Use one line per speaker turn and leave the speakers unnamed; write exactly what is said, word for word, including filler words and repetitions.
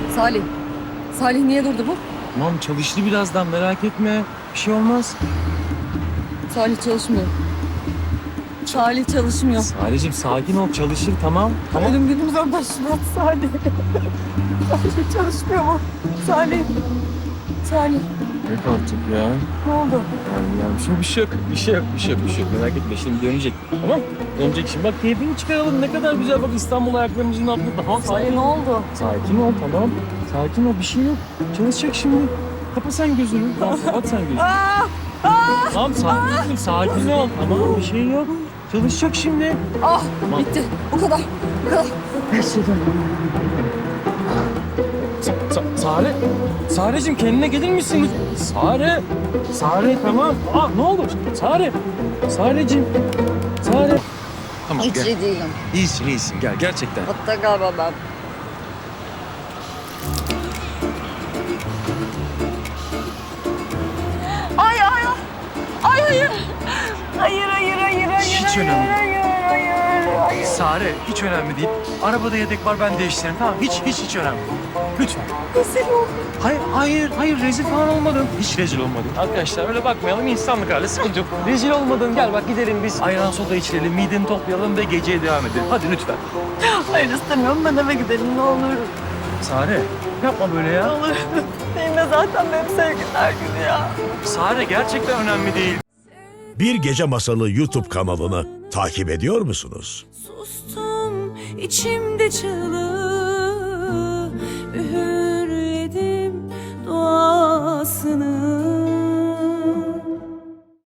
Salih. Salih niye durdu bu?
Tamam çalıştı birazdan merak etme. Bir şey olmaz.
Salih çalışmıyor. Salih çalışmıyor.
Salih'cim sakin ol çalışır tamam. Tamam.
Ölüm günümüzden başladı Salih. Salih çalışmıyor mu? Salih. Salih.
Yok artık ya.
Ne oldu?
Yani, yani bir, şey, bir şey yok. Bir şey yok. Bir şey yok. Bir şey yok. Merak etme şimdi dönecek. Tamam. Dönecek şimdi. Bak keyfini çıkaralım. Ne kadar güzel bak İstanbul ayaklarımızın altında. Tamam
Salih
sakin
ne
ol.
oldu?
Sakin ol tamam. Sakin ol bir şey yok. Çalışacak şimdi. Kapa sen gözünü. Tamam kapat sen gözünü.
Aa! Aa!
Tamam sakin ol. Sakin ol. Tamam bir şey yok. Çalışacak şimdi.
Ah!
Tamam.
Bitti. Bu kadar. Bu kadar. Her şey döndü.
Sa- Sa- Sare. Sare'cim kendine gelir misin? Sare. Sare tamam. Aa ne oldu? Sare. Sare'cim. Sare. Tamam
Hiç iyi değilim.
İyisin iyisin gel gerçekten.
Hatta galiba ben. Ay ay ay. Ay hayır. Hayır hayır hayır hayır.
Hiç
hayır,
önemli değil.
Hayır hayır hayır.
Sare hiç önemli değil. Arabada yedek var ben değiştiririm tamam hiç hiç hiç önemli değil. Lütfen.
Rezil oldum.
Hayır hayır hayır rezil falan olmadın. Hiç rezil olmadın. Arkadaşlar öyle bakmayalım insanlık hali sıkıntı yok. Rezil olmadın gel bak gidelim biz ayran soda içelim mideni toplayalım ve geceye devam edelim. Hadi lütfen.
Hayır istemiyorum ben eve gidelim ne olur.
Sare yapma böyle ya.
Ne olur. Benimle zaten benim sevgililer günü ya.
Sare gerçekten önemli değil.
Bir Gece Masalı YouTube kanalını takip ediyor musunuz?
Sustum içimde çığlığı, üğürledim duasını.